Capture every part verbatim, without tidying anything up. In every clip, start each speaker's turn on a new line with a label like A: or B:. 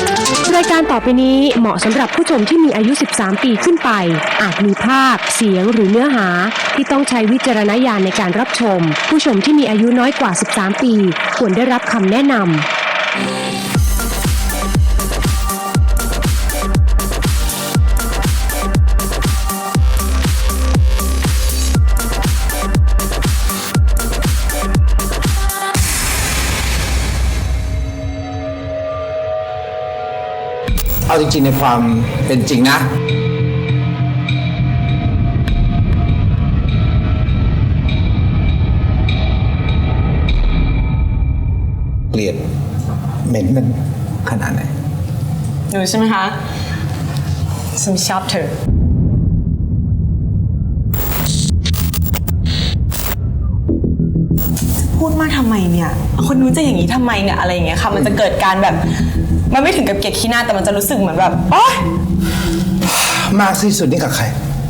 A: รายการต่อไปนี้เหมาะสำหรับผู้ชมที่มีอายุสิบสามปีขึ้นไปอาจมีภาพเสียงหรือเนื้อหาที่ต้องใช้วิจารณญาณในการรับชมผู้ชมที่มีอายุน้อยกว่าสิบสามปีควรได้รับคำแนะนำ
B: เอาจริงๆในความเป็นจริงนะเกลียดเหม็นมันขนาดไหน
C: หนูใช่ไหมคะฉันชอบเธอพูดมากทำไมเนี่ยคนนู้นจะอย่างนี้ทำไมเนี่ยอะไรอย่างเงี้ยค่ะมันจะเกิดการแบบมันไม่ถึงกับเกลียดขี้หน้าแต่มันจะรู้สึกเหมือนแบบโอ๊ย
B: มากที่สุดนี่กับใคร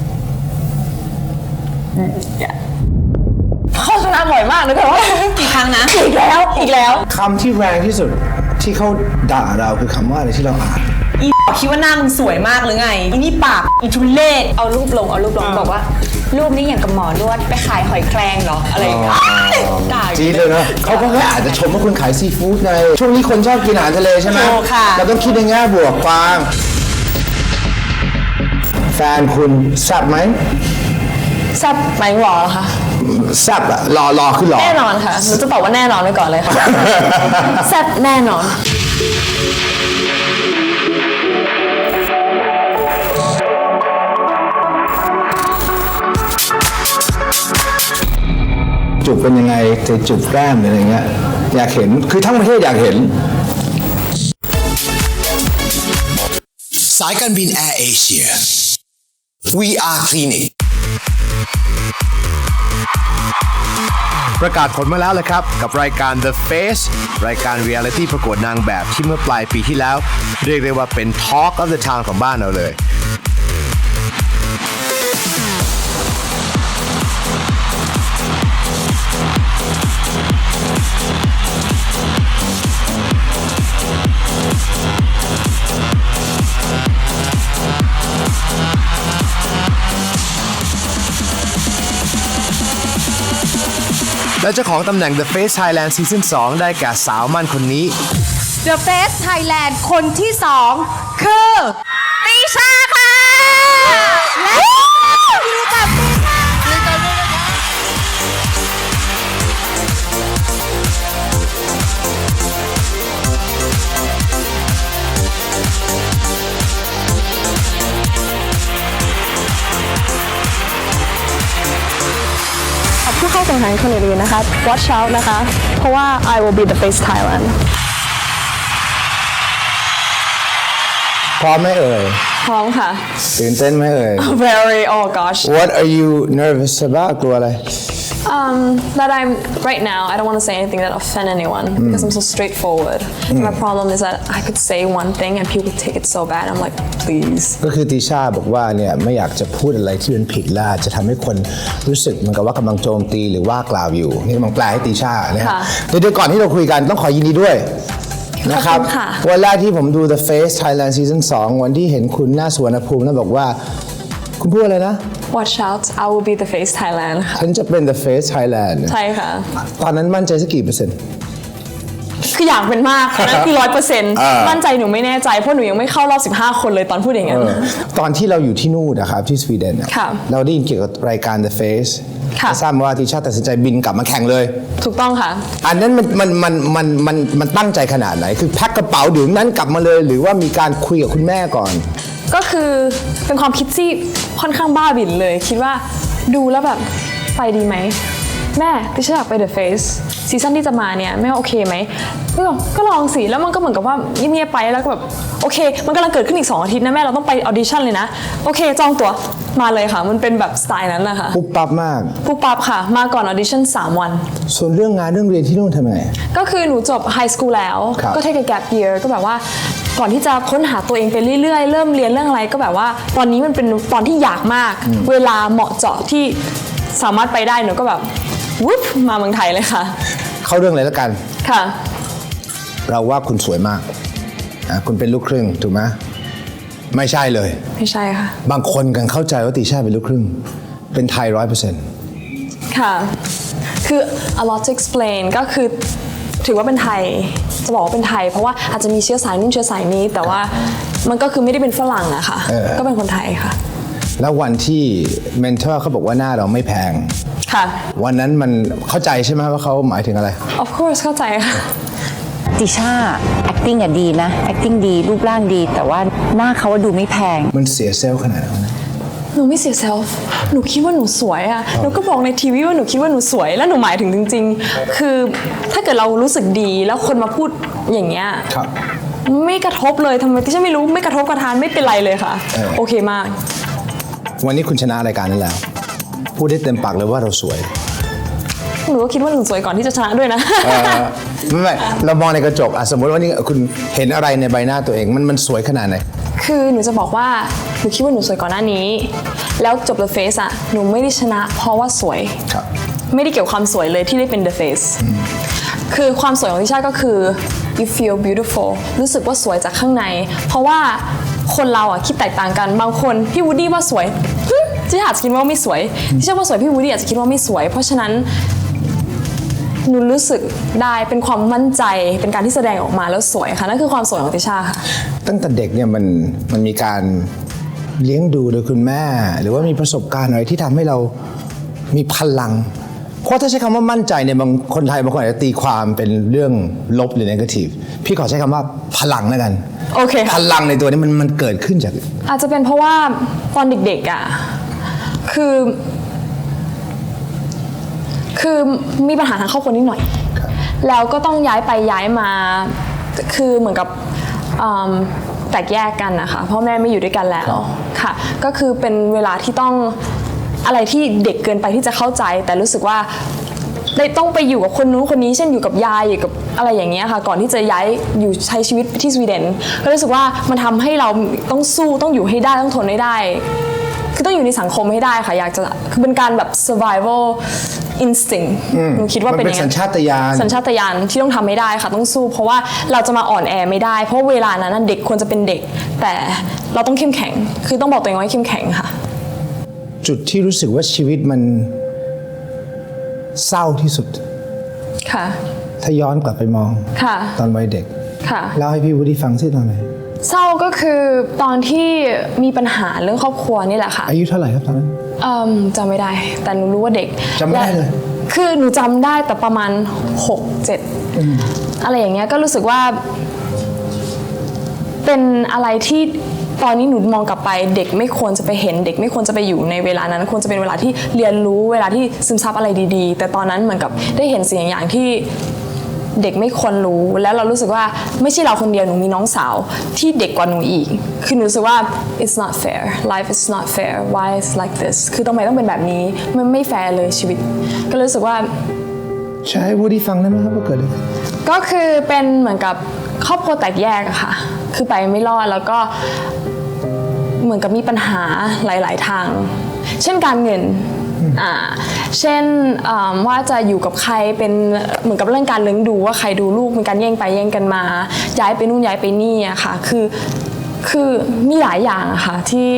C: โฆษณาบ่อยมากเลยแต่ว่ากี่ครั้งนะอีกแล้วอีกแล้ว
B: คำที่แรงที่สุดที่เขาด่าเราคือคำว่าอะไรที่เราอ่าน
C: อีคิดว่าหน้ามึงสวยมากหรือไงอีนี่ปากอีทุเล่เอารูปลงเอารูปลงบอกว่ารูปนี้อย่างกับหมอนวดไปขายหอยแครงเหรออะไรอย่างเงี้ยด่า
B: จีเลยนะเขาก็แค่อาจจะชมว่าคุณขายซีฟู้ดไงช่วงนี้คนชอบกินอาหารทะเลใช่ไหมเราต้องคิดในแง่บวกฟังแฟนคุณแซ่บไหม
C: แซ่บไหมหรอคะ
B: แซ่บอะรอรอขึ้นหรอ
C: แน่นอนค่ะหนูจะตอบว่าแน่นอนไว้ก่อนเลยค่ะแซ่บแน่นอน
B: จุบเป็นยังไงจะจุบแก้มอะไรเงี้ยอยากเห็นคือทั้งประเทศอยากเห็น
D: สายการบินแอร์เอเชีย วี อาร์ Clinic
E: ประกาศผลมาแล้วเลยครับกับรายการ The Face รายการเรียลลิตี้ประกวดนางแบบที่เมื่อปลายปีที่แล้วเรียกได้ว่าเป็น Talk of the Town ของบ้านเราเลยและเจ้าของตำแหน่ง The Face Thailand Season สองได้แก่สาวมั่นคนนี้
F: The Face Thailand คนที่สองคือติชาค่ะและอยู่กับติชา
C: ผู้เข้าแข่งขันคนอื่นๆนะคะ watch out นะคะเพราะว่า I will be the face Thailand
B: พร้อมไหมเอ่ย
C: พร้อมค่ะ
B: ตื่นเต้นไหมเอ่ย
C: very oh gosh
B: What are you nervous about กลัวอะไร
C: um that I'm right now I don't want to say anything that offend anyone mm. because I'm so straightforward mm. my problem is that I could say one thing and people take it so bad I'm like please
B: ก็คือติชาบอกว่าเนี่ยไม่อยากจะพูดอะไรที่เป็นผิดและจะทำให้คนรู้สึกเหมือนกับว่ากำลังโจมตีหรือว่ากล่าวอยู่นี่กำลังแปลให้ติชานะฮะเดี๋ยวก่อนที่เราคุยกันต้องขอยินดีด้วยนะครับวันแรกที่ผมดู The Face Thailand Season สองวันที่เห็นคุณหน้าสวนภูมิแล้วบอกว่าคุณพูดอะไรนะ
C: Watch out I will be the face Thailand
B: ฉันจะเป็น The Face Thailand
C: ใช่ค่ะ
B: ตอนนั้นมั่นใจสักกี่เปอร์เซ็นต์
C: คืออยากเป็นมากนั่นคือร้อยเปอร์เซ็นต์มั่นใจหนูไม่แน่ใจเพราะหนูยังไม่เข้ารอบสิบห้าคนเลยตอนพูดอย่างนั้น
B: ตอนที่เราอยู่ที่นู่นนะครับที่สวีเดนเราได้ยินเกี่ยวกับรายการ The Faceทราบว่าติชาตัดสินใจบินกลับมาแข่งเลย
C: ถูกต้องค่ะ
B: อันนั้นมันมันมันมันมันมันตั้งใจขนาดไหนคือแพ็คกระเป๋าเดี๋ยวนั้นกลับมาเลยหรือว่ามีการคุยกับคุณแม่ก่อน
C: ก็คือเป็นความคิดที่ค่อนข้างบ้าบิ่นเลยคิดว่าดูแล้วแบบไปดีไหมแม่ติชาอยากไป The Face ซีซั่นที่จะมาเนี่ยแม่โอเคไหมก็ก็ลองสิแล้วมันก็เหมือนกับว่าเงียบๆไปแล้วก็แบบโอเคมันกำลังเกิดขึ้นอีกสองอาทิตย์นะแม่เราต้องไปออดิชั่นเลยนะโอเคจองตั๋วมาเลยค่ะมันเป็นแบบสไตล์นั้นนะคะ
B: ปุ๊บปั๊บมาก
C: ปุ๊บปั๊บค่ะมาก่อนออดิชั่นสามวัน
B: ส่วนเรื่องงานเรื่องเรียนที่นู่นทำไง
C: ก็คือหนูจบไฮสคูลแล้วก็เทคแกปเยียร์ก็แบบว่าก่อนที่จะค้นหาตัวเองไปเรื่อยๆเริ่มเรียนเรื่องอะไรก็แบบว่าตอนนี้มันเป็นตอนที่อยากมากเวลาเหมาะเจาะที่สามารถไปได้หนูก็แบบวุ๊บมาเมืองไทยเลยค่ะ
B: เข้าเรื่องเลยแล้วกัน
C: ค่ะ
B: เราว่าคุณสวยมากอ่ะคุณเป็นลูกครึ่งถูกไหมไม่ใช่เลย
C: ไม่ใช่ค่ะ
B: บางคนกันเข้าใจว่าติช่าเป็นลูกครึ่ง เป็นไทยร้อยเปอร์เซ็นต์
C: ค่ะ คือ a lot to explain ก็คือถือว่าเป็นไทย จะบอกว่าเป็นไทย เพราะว่าอาจจะมีเชื้อสายนู่นเชื้อสายนี้ แต่ว่ามันก็คือไม่ได้เป็นฝรั่งอะค่ะ ก็เป็นคนไทยค่ะ
B: แล้ววันที่เมนเทอร์เขาบอกว่าหน้าเราไม่แพง
C: ค่ะ
B: วันนั้นมันเข้าใจใช่ไหมว่าเขาหมายถึงอะไร
C: of course เข้าใจค่ะ
G: ติช่า acting อะดีนะ acting ดีรูปร่างดี แต่ว่าหน้าเขาดูไม่แพง
B: มันเสียเซลล์ขนาดนั้นนะ
C: หนูไม่เสียเซลฟ์หนูคิดว่าหนูสวยอะหนูก็บอกในทีวีว่าหนูคิดว่าหนูสวย แล้วหนูหมายถึงจริงๆ คือถ้าเกิดเรารู้สึกดีแล้วคนมาพูดอย่างเงี้ย
B: ครับ
C: ไม่กระทบเลยทำไมที่ฉันไม่รู้ไม่กระทบกระทานไม่เป็นไรเลยค่ะ
B: เออ
C: โอเคมาก
B: วันนี้คุณชนะรายการนั้นแล้ว พูดได้เต็มปากเลยว่าเราสวย
C: หนูก็คิดว่าหนูสวยก่อนที่จะชนะด้วยนะ
B: เอ่อไม่ไม่เรามองในกระจกอะสมมติว่านี่คุณเห็นอะไรในใบหน้าตัวเองมันมันสวยขนาดไหน
C: คือหนูจะบอกว่าหนูคิดว่าหนูสวยก่อนหน้านี้ แล้วจบ The Face อะหนูไม่ได้ชนะเพราะว่าสวย
B: ครับ
C: ไม่ได้เกี่ยวความสวยเลยที่ได้เป็น The Face คือความสวยของติช่าก็คือ you feel beautiful รู้สึกว่าสวยจากข้างใน เพราะว่าคนเราอะคิดแตกต่างกัน บางคนพี่วูดดี้ว่าสวยหึติช่าอาจจะคิดว่าไม่สวยติช่าว่าสวยพี่วูดดี้อาจจะคิดว่าไม่สวย เพราะฉะนั้นหนูรู้สึกได้เป็นความมั่นใจเป็นการที่แสดงออกมาแล้วสวยค่ะนั่นคือความสวยของติช่าค่ะ
B: ตั้งแต่เด็กเนี่ยมันมันมีการเลี้ยงดูโดยคุณแม่ หรือว่ามีประสบการณ์อะไรที่ทำให้เรามีพลัง เพราะถ้าใช้คำว่ามั่นใจเนี่ยบางคนไทยบางคนอาจจะตีความเป็นเรื่องลบหรือ negative พี่ขอใช้คำว่าพลังแล้วกัน
C: โอเค
B: พ
C: ค่ะ
B: ลังในตัวนี้มันมันเกิดขึ้นจาก
C: อาจจะเป็นเพราะว่าตอนเด็กๆอ่ะคือ คือมีปัญหาทางครอบครัวนิดหน่อย แล้วก็ต้องย้ายไปย้ายมา คือเหมือนกับอืมแตกแยกกันนะคะพ่อแม่ไม่อยู่ด้วยกันแล้วค่ะ ก็คือเป็นเวลาที่ต้องอะไรที่เด็กเกินไปที่จะเข้าใจ แต่รู้สึกว่าได้ต้องไปอยู่กับคนนู้นคนนี้เช่นอยู่กับยายอยู่กับอะไรอย่างเงี้ยค่ะ ก่อนที่จะย้ายอยู่ใช้ชีวิตที่สวีเดนก็รู้สึกว่ามันทำให้เราต้องสู้ต้องอยู่ให้ได้ต้องทนให้ได้ คือต้องอยู่ในสังคมให้ได้ค่ะอยากจะคือเป็นการแบบ survival instinct หนูคิดว่าเป็นอย่าง
B: มันเป็นสัญชาตญาณ
C: สัญชาตญาณที่ต้องทำให้ได้ค่ะต้องสู้ เพราะว่าเราจะมาอ่อนแอไม่ได้ เพราะเวลานั้นนะเด็กควรจะเป็นเด็ก แต่เราต้องเข้มแข็ง คือต้องบอกตัวเองว่าให้เข้มแข็งค่ะ
B: จุดที่รู้สึกว่าชีวิตมันเศร้าที่สุด
C: ค่ะ
B: ถ้าย้อนกลับไปมอง
C: ค่ะ
B: ตอนวัยเด็ก
C: ค่ะ
B: เล่าให้พี่วูดดี้ฟังสิตอนไหน
C: เศร้าก็คือตอนที่มีปัญหาเรื่องครอบครัวนี่แหละค่ะ
B: อายุเท่าไหร่ครับตอนนั้น
C: เอิ่มจำไม่ได้ แต่หนูรู้ว่าเด็ก
B: จำไม่ได้เลย
C: และคือหนูจำได้แต่ประมาณหกเจ็ดอะไรอย่างเงี้ยก็รู้สึกว่า เป็นอะไรที่ตอนนี้หนูมองกลับไปเด็กไม่ควรจะไปเห็น เด็กไม่ควรจะไปอยู่ในเวลานั้นควรจะเป็นเวลาที่เรียนรู้เวลาที่ซึมซับอะไรดีๆ แต่ตอนนั้นเหมือนกับได้เห็นสิ่งอย่างที่เด็กไม่ควรรู้แล้วเรารู้สึกว่าไม่ใช่เราคนเดียวหนูมีน้องสาวที่เด็กกว่าหนูอีกคือหนูรู้สึกว่า it's not fair life is not fair why is like this คือทำไมต้องเป็นแบบนี้มันไม่แฟร์เลยชีวิต ก็รู้สึกว่า
B: ใช่วูดดี้ฟังได้ไหมครับว่าเกิดอะไรขึ้น
C: ก็คือเป็นเหมือนกับครอบครัวแตกแยกอะค่ะ คือไปไม่รอดแล้วก็เหมือนกับมีปัญหาหลาย ๆ ทาง เช่นการเงิน อ่า เช่นอ่าว่าจะอยู่กับใครเป็นเหมือนกับเรื่องการเลี้ยงดูว่าใครดูลูกมีการแย่งไปแย่งกันมา ย้ายไปนู่นย้ายไปนี่อะค่ะ คือ คือมีหลายอย่างอะค่ะที่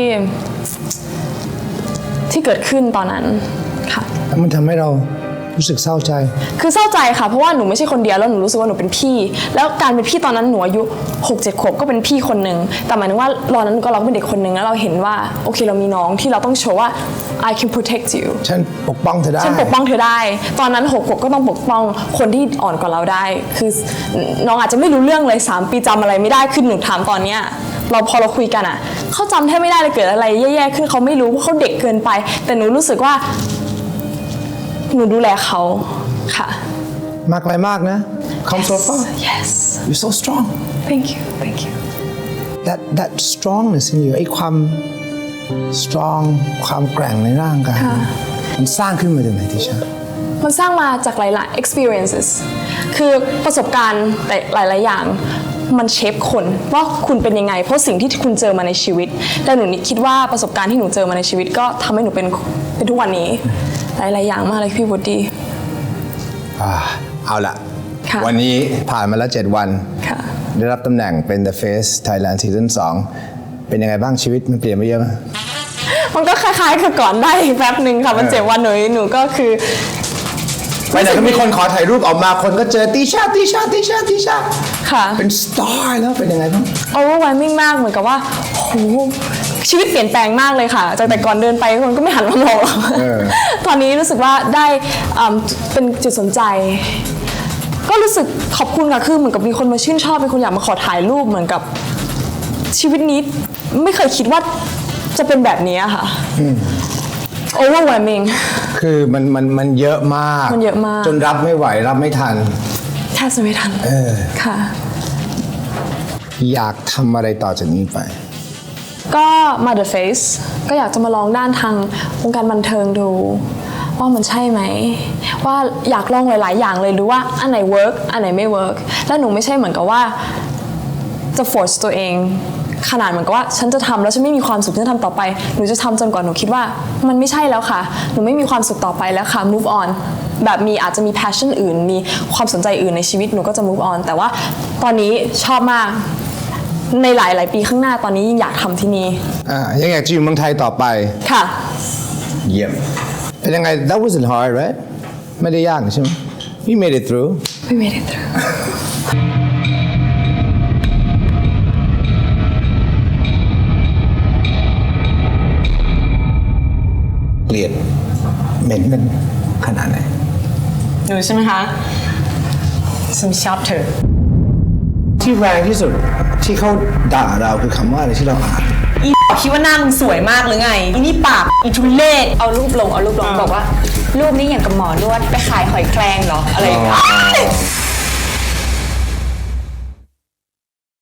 C: ที่เกิดขึ้นตอนนั้นค่ะ
B: แล้วมันทำให้เรารู้สึกเศร้าใจ
C: คือเศร้าใจค่ะเพราะว่าหนูไม่ใช่คนเดียวแล้วหนูรู้สึกว่าหนูเป็นพี่ แล้วการเป็นพี่ตอนนั้นหนูอายุหกเจ็ดขวบก็เป็นพี่คนหนึ่งแต่หมายถึงว่าตอนนั้นก็เราก็เป็นเด็กคนหนึ่งแล้วเราเห็นว่าโอเคเรามีน้องที่เราต้องโชว์ว่า I can protect you
B: ฉันปกป้องเธอได้
C: ฉันปกป้องเธอได้ ตอนนั้นหกขวบก็ต้องปกป้องคนที่อ่อนกว่าเราได้ คือน้องอาจจะไม่รู้เรื่องเลยสามปีจำอะไรไม่ได้คือหนูถามตอนเนี้ยเราพอเราคุยกันอ่ะเขาจำแทบไม่ได้เลยเกิดอะไรแย่ๆขึ้นเขาไม่รู้เพราะเขาเด็กเกินไป แต่หนูรู้สึกว่าหนูดูแลเขาค่ะ
B: มากไปมากนะ come so far
C: yes
B: you're so strong
C: thank you thank you
B: that that strongness in you ไอ้ความ strong ความแกร่งในร่างกายมันสร้างขึ้นมาจากไหนที่ชา
C: มันสร้างมาจากหลาย ๆ experiences คือประสบการณ์แต่หลาย ๆ อย่างมันเชฟคนว่าคุณเป็นยังไง เพราะสิ่งที่คุณเจอมาในชีวิตแต่หนูคิดว่าประสบการณ์ที่หนูเจอมาในชีวิตก็ทำให้หนูเป็นเป็นทุกวันนี้หลาย ๆ อย่างมากเลยพี่วูดดี้
B: อ่าเอาละ
C: ค่ะ
B: วันนี้ผ่านมาแล้วเจ็ดวัน
C: ค่ะ
B: ได้รับตำแหน่งเป็น The Face Thailand Season สองเป็นยังไงบ้างชีวิตมันเปลี่ยนไปเยอะไหม
C: มันก็คล้ายๆกับก่อนได้อีกแป๊บหนึ่งค่ะมันเจ็บวันหนูหนูก็คือ
B: ไปไหนก็มีคนขอถ่ายรูปออกมาคนก็เจอติชาติชาติชาติชา
C: ค่ะ
B: เป็นสตาร์แล้วเป็นยังไงบ้าง
C: overwhelming มากเหมือนกับว่าโหชีวิตเปลี่ยนแปลงมากเลยค่ะจากแต่ก่อนเดินไปคนก็ไม่หันมามองเราตอนนี้รู้สึกว่าได้อ่าเป็นจุดสนใจ ก็รู้สึกขอบคุณค่ะคือเหมือนกับมีคนมาชื่นชอบมีคนอยากมาขอถ่ายรูปเหมือนกับชีวิตนี้ไม่เคยคิดว่าจะเป็นแบบนี้ค่ะ overwhelming
B: คือมันมันมันเยอะมาก
C: มันเยอะมาก
B: จนรับไม่ไหวรับไม่ทัน
C: แทบจะไม่ทัน
B: เออ
C: ค่ะ
B: อยากทำอะไรต่อจากนี้ไป
C: ก็มา The Face ก็อยากจะมาลองด้านทางวงการบันเทิงดู ว่ามันใช่ไหม ว่าอยากลองหลาย ๆ อย่างเลยดูว่าอันไหน work อันไหนไม่ work แล้วหนูไม่ใช่เหมือนกับว่าจะ force ตัวเองขนาดเหมือนกับว่าฉันจะทำแล้วฉันไม่มีความสุขฉันทำต่อไปหนูจะทำจนกว่าหนูคิดว่ามันไม่ใช่แล้วค่ะหนูไม่มีความสุขต่อไปแล้วค่ะ move on แบบมีอาจจะมี passion อื่นมีความสนใจอื่นในชีวิตหนูก็จะ move on แต่ว่าตอนนี้ชอบมากในหลาย ๆ ปีข้างหน้าตอนนี้ยิ่งอยากทำที่นี่
B: อ่ายังอยากจะอยู่เมืองไทยต่อไป
C: ค่ะ
B: เยี่ยมเป็นยังไง that wasn't hard right ไม่ได้ยากใช่ไหม you made it through
C: we made it through
B: เกลียดเหม็นมันขนาดไหน
F: หนูใช่ไหมคะฉันชอบเธอ
B: ที่แรงที่สุดที่เขาด่าเราคือคำว่าอะไรที่เราอ่าน
F: อีคิดว่าหน้ามึงสวยมากหรือไง อีนี่ปากอีทุเล่เอารูปลงเอารูปลงบอกว่า รูปนี้อย่างกับหมอนวดไปขายหอยแครงเหรอ อะไรอย่างเงี้ย